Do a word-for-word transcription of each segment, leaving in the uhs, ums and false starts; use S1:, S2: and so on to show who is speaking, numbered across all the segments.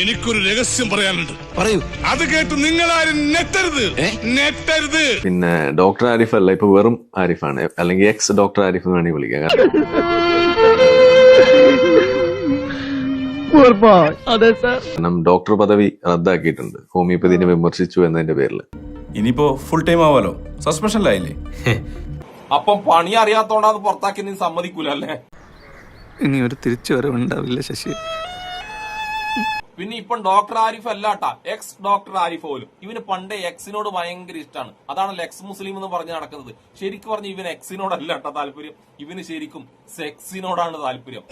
S1: എനിക്കൊരു രഹസ്യം പറയാനുണ്ട്.
S2: പറയൂ.
S1: അത് കേട്ട് നിങ്ങളാരും നെറ്റരുത്, നെറ്റരുത്.
S3: പിന്നെ ഡോക്ടർ ആരിഫ് അല്ല, ഇപ്പൊ വെറും ആരിഫാണ്, അല്ലെങ്കിൽ എക്സ് ഡോക്ടർ ആരിഫ് എന്ന് വേണമെങ്കിൽ വിളിക്കാം. കാരണം ഡോക്ടർ പദവി റദ്ദാക്കിയിട്ടുണ്ട് ഹോമിയോപ്പതിനെ വിമർശിച്ചു എന്നതിന്റെ പേരിൽ.
S4: ഇനിയിപ്പോ ഫുൾ ടൈം ആവാലോ, സസ്പെൻഷനിലായില്ലേ?
S5: അപ്പം പണി അറിയാത്തോണ്ടാന്ന് പുറത്താക്കി നീ സമ്മതിക്കൂല അല്ലേ?
S2: ഇനി ഒരു തിരിച്ചു വരവുണ്ടാവില്ല ശശി.
S5: പിന്നെ ഇപ്പം ഡോക്ടർ ആരിഫ് അല്ലാട്ടാ, എക്സ് ഡോക്ടർ ആരിഫ് പോലും. ഇവന് പണ്ടേ എക്സിനോട് ഭയങ്കര ഇഷ്ടമാണ്. അതാണല്ലോ എക്സ് മുസ്ലിം എന്ന് പറഞ്ഞ് നടക്കുന്നത്. ശരിക്കും പറഞ്ഞ ഇവന് എക്സിനോടല്ല കേട്ടോ താല്പര്യം, ഇവന് ശരിക്കും സെക്സിനോടാണ് താല്പര്യം.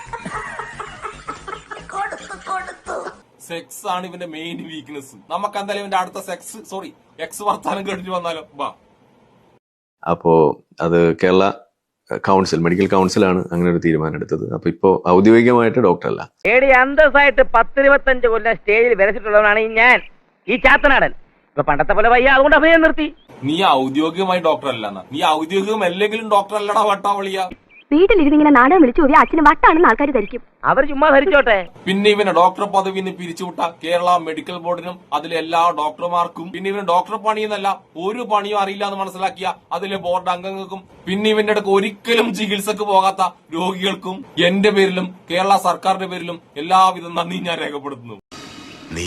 S5: സെക്സ് ആണ് ഇവന്റെ മെയിൻ വീക്ക്നെസ്. നമുക്ക് എന്തായാലും ഇവന്റെ അടുത്ത സെക്സ് സോറി എക്സ് വർത്താനം കേട്ടിട്ട് വന്നാലോ ബാ.
S3: അപ്പോ അത് കേരള കൗൺസിൽ, മെഡിക്കൽ കൗൺസിലാണ് അങ്ങനെ ഒരു തീരുമാനം എടുത്തത്. അപ്പൊ ഇപ്പോ ഔദ്യോഗികമായിട്ട് ഡോക്ടർ അല്ല.
S6: ഏടി അന്തസ്സായിട്ട് പത്തിരുപത്തഞ്ച് കൊല്ലം സ്റ്റേജിൽ വരച്ചിട്ടുള്ളവനാണ് ഈ ഞാൻ, ഈ ചാത്തനാടൻ. ഇപ്പൊ പണ്ടത്തെ പോലെ വയ്യ, അതുകൊണ്ട് അഭിനയം നിർത്തി.
S5: നീ ഔദ്യോഗികമായി ഡോക്ടർ അല്ലെന്നാ? നീ ഔദ്യോഗികം അല്ലെങ്കിലും ഡോക്ടർ അല്ലടാ വട്ടാവളിയ.
S7: വീട്ടിലിരുന്നിങ്ങനെ നാടകം വിളിച്ചു പോയി അച്ഛന് വട്ടാണെന്ന് ആൾക്കാർ ധരിക്കും.
S6: അവർ ചുമ്മാ ധരിച്ചോട്ടെ.
S5: പിന്നെ ഇവനെ ഡോക്ടർ പദവിന്ന് പിരിച്ചുവിട്ട കേരള മെഡിക്കൽ ബോർഡിനും അതിലെ എല്ലാ ഡോക്ടർമാർക്കും, പിന്നെ ഇവന് ഡോക്ടർ പണിയെന്നല്ല ഒരു പണിയും അറിയില്ല എന്ന് മനസ്സിലാക്കിയ അതിലെ ബോർഡ് അംഗങ്ങൾക്കും, പിന്നെ ഇവന്റെ അടുക്ക് ഒരിക്കലും ചികിത്സക്ക് പോകാത്ത രോഗികൾക്കും എന്റെ പേരിലും കേരള സർക്കാരിന്റെ പേരിലും എല്ലാവിധ നന്ദി ഞാൻ രേഖപ്പെടുത്തുന്നു.
S8: നീ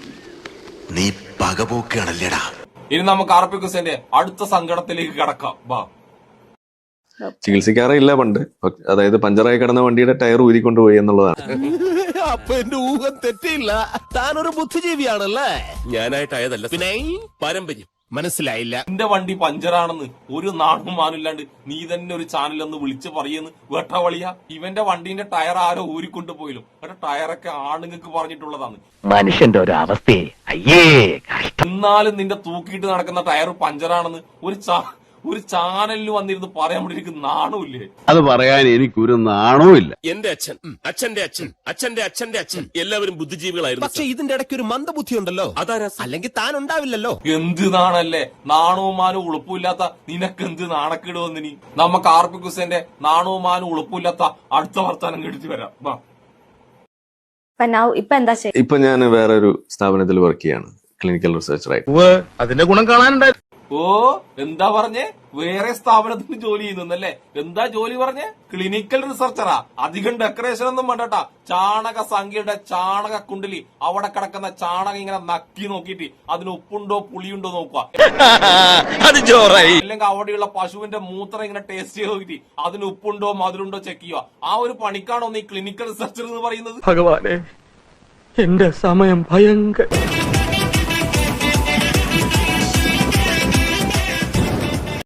S8: നീ പകപോക്കാണല്ലേടാ.
S5: ഇനി നമുക്ക് ആർ പി കുസേന്റെ അടുത്ത സങ്കടത്തിലേക്ക് കടക്കാം വാ.
S3: ചികിത്സിക്കാറേ ഇല്ല പണ്ട്, അതായത് പഞ്ചറായി കിടന്ന വണ്ടിയുടെ ടയർ ഊരിക്കൊണ്ടുപോയി എന്നുള്ളതാണ്.
S2: അപ്പൊ എന്റെ ഊഹം തെറ്റില്ല, താനൊരു ബുദ്ധിജീവിയാണല്ലേ.
S8: ഞാനായിട്ടായതല്ല, പിന്നെ പാരമ്പര്യം.
S2: മനസ്സിലായില്ല.
S5: എന്റെ വണ്ടി പഞ്ചറാണെന്ന് ഒരു നാണും മാനില്ലാണ്ട് നീ തന്നെ ഒരു ചാനൽ ഒന്ന് വിളിച്ചു പറയുന്നു വെട്ടവളിയ. ഇവന്റെ വണ്ടീന്റെ ടയർ ആരോ ഊരിക്കൊണ്ടുപോയില്ലോ. എന്റെ ടയറൊക്കെ ആണുങ്ങൾക്ക് പറഞ്ഞിട്ടുള്ളതാണ്.
S6: മനുഷ്യന്റെ ഒരു അവസ്ഥയെ അയ്യേ.
S5: എന്നാലും നിന്റെ തൂക്കിയിട്ട് നടക്കുന്ന ടയർ പഞ്ചറാണെന്ന് ഒരു ചാ ഒരു ചാനലിൽ വന്നിരുന്ന് പറയാൻ വേണ്ടി എനിക്ക് നാണമില്ലേ?
S9: അത് പറയാൻ എനിക്കൊരു നാണവുമില്ല.
S8: എന്റെ അച്ഛൻ, അച്ഛന്റെ അച്ഛൻ, അച്ഛന്റെ അച്ഛന്റെ അച്ഛൻ എല്ലാവരും ബുദ്ധിജീവികളായിരുന്നു.
S2: പക്ഷെ ഇതിന്റെ ഇടയ്ക്ക് ഒരു മന്ദബുദ്ധി ഉണ്ടല്ലോ.
S8: അതാരാ?
S2: അല്ലെങ്കിൽ താൻ ഉണ്ടാവില്ലല്ലോ.
S5: എന്ത് നാണല്ലേ? നാണവും മാനും ഉളുപ്പില്ലാത്ത നിനക്ക് എന്ത് നാണക്കേട് വന്നിനി? നമുക്ക് ആർ പി കുസേന്റെ നാണവും മാനും ഉളുപ്പില്ലാത്ത അടുത്ത വർത്താനം കേട്ടിട്ട് വരാം വാ.
S7: ഇപ്പൊ എന്താ
S3: ഇപ്പൊ ഞാൻ വേറൊരു സ്ഥാപനത്തിൽ വർക്ക് ചെയ്യാണ്, ക്ലിനിക്കൽ റിസർച്ചറായിട്ട്.
S1: അതിന്റെ ഗുണം കാണാനുണ്ടായിരുന്നു.
S5: ഓ എന്താ പറഞ്ഞേ? വേറെ സ്ഥാപനത്തിന് ജോലി ചെയ്യുന്നല്ലേ? എന്താ ജോലി പറഞ്ഞേ? ക്ലിനിക്കൽ റിസർച്ചറാ. അധികം ഡെക്കറേഷൻ ഒന്നും വേണ്ടട്ടാ. ചാണക സംഖ്യയുടെ ചാണക കുണ്ടിലി അവിടെ കിടക്കുന്ന ചാണകം ഇങ്ങനെ നക്കി നോക്കിയിട്ട് അതിന് ഉപ്പുണ്ടോ പുളിയുണ്ടോ നോക്കുക. അല്ലെങ്കിൽ അവിടെയുള്ള പശുവിന്റെ മൂത്രം ഇങ്ങനെ ടേസ്റ്റ് ചെയ്ത് നോക്കിയിട്ട് അതിന് ഉപ്പുണ്ടോ മധുരുണ്ടോ ചെക്ക് ചെയ്യുക. ആ ഒരു പണിക്കാണോ നീ ക്ലിനിക്കൽ റിസർച്ചർ എന്ന് പറയുന്നത്?
S6: ഭഗവാനെ, എന്റെ സമയം ഭയങ്കര